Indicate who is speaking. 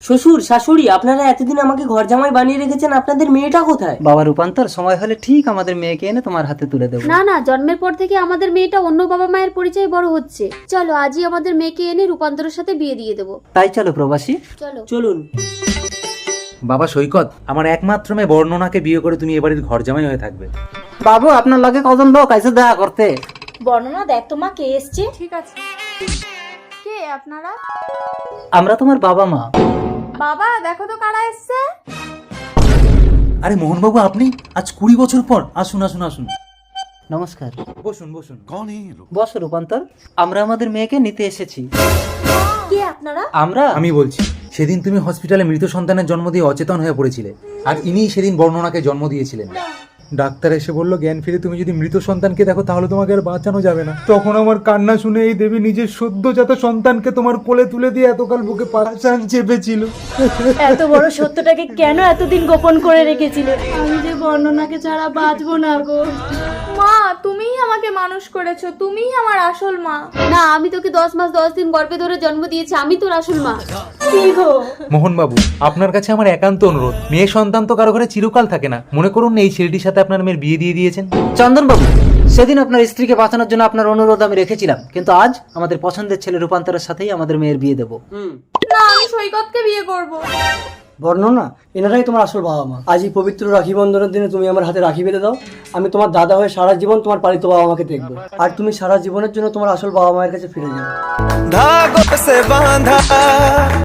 Speaker 1: শ্বশুর শাশুড়ি, আপনারা এতদিন আমাকে ঘর জামাই বানিয়ে রেখেছেন, আপনাদের মেয়েটা কোথায়?
Speaker 2: বাবা রূপান্তর, সময় হলে ঠিক আমাদের মেয়েকে এনে তোমার হাতে তুলে দেবো।
Speaker 3: না না, জন্মের পর থেকে আমাদের মেয়েটা অন্য বাবা মায়ের পরিচয়ে বড় হচ্ছে। চলো আজই আমাদের মেয়েকে এনে রূপান্তরের সাথে বিয়ে দিয়ে দেবো।
Speaker 2: তাই চলো প্রবাসী।
Speaker 3: চলো
Speaker 1: চলুন।
Speaker 4: বাবা সৈকত, আমার একমাত্র মেয়ে বর্ণনাকে বিয়ে করে তুমি এবাড়ির ঘর জামাই হয়ে থাকবে।
Speaker 2: বাবু, আপনার লগে কজন লোক আইসে দেখা করতে?
Speaker 5: বর্ণনা দেখ তো মা কে এসছে।
Speaker 6: ঠিক আছে, কে আপনারা?
Speaker 2: আমরা তোমার বাবা মা।
Speaker 6: বাবা দেখো তো কারা এসছে।
Speaker 4: আরে মোহনবাবু, আপনি আজ 20 বছর পর। আসুন আসুন আসুন,
Speaker 2: নমস্কার।
Speaker 4: বসুন বসুন।
Speaker 2: বস রূপান্তর, আমরা আমাদের মেয়েকে নিতে এসেছি।
Speaker 5: কে আপনারা?
Speaker 2: আমরা
Speaker 4: আমি বলছি, সেদিন তুমি হসপিটালে মৃত সন্তানের জন্ম দিয়ে অচেতন হয়ে পড়েছিলে, আর ইনিই সেদিন বর্ণনাকে জন্ম দিয়েছিলেন। ডাক্তার এসে বলল, জ্ঞান ফিরে তুমি যদি মৃত সন্তানকে দেখো তাহলে তোমাকে আর বাঁচানো যাবে না। তখন আমার কান্না শুনে এই দেবী নিজের সদ্যজাত সন্তানকে তোমার কোলে তুলে দিয়ে এতকাল বুকে পাশান চেপেছিল।
Speaker 5: এত বড় সত্যটাকে কেন এতদিন গোপন করে রেখেছিলে?
Speaker 3: আমি যে বর্ণনাকে ছাড়া বাঁচবো না গো।
Speaker 6: মা, তুমিই আমাকে মানুষ করেছো, তুমিই আমার আসল মা।
Speaker 3: না, আমি তোকে 10 মাস 10 দিন গর্ভে ধরে জন্ম দিয়েছি, আমি তোর আসল মা।
Speaker 5: কি গো?
Speaker 4: মোহনবাবু, আপনার কাছে আমার একান্ত অনুরোধ, মেয়ে সন্তান তো কারো ঘরে চিরকাল থাকে না। মনে করুন এই ছেলেটির সাথে আপনার মেয়ের বিয়ে দিয়ে দিয়েছেন।
Speaker 2: চন্দন বাবু, সেদিন আপনার স্ত্রীকে বাঁচানোর জন্য আপনার অনুরোধ আমি রেখেছিলাম, কিন্তু আজ আমাদের পছন্দের ছেলে রূপান্তরের সাথেই আমাদের মেয়ের বিয়ে দেবো।
Speaker 6: না, আমি সৈকতকে বিয়ে করব।
Speaker 7: বর্ণনা, এনারাই তোমার আসল বাবা মা। আজ এই পবিত্র রাখি বন্ধনের দিনে তুমি আমার হাতে রাখি বেঁধে দাও। আমি তোমার দাদা হয়ে সারা জীবন তোমার পালিত বাবা মাকে দেখবো, আর তুমি সারা জীবনের জন্য তোমার আসল বাবা মায়ের কাছে ফিরে যাও।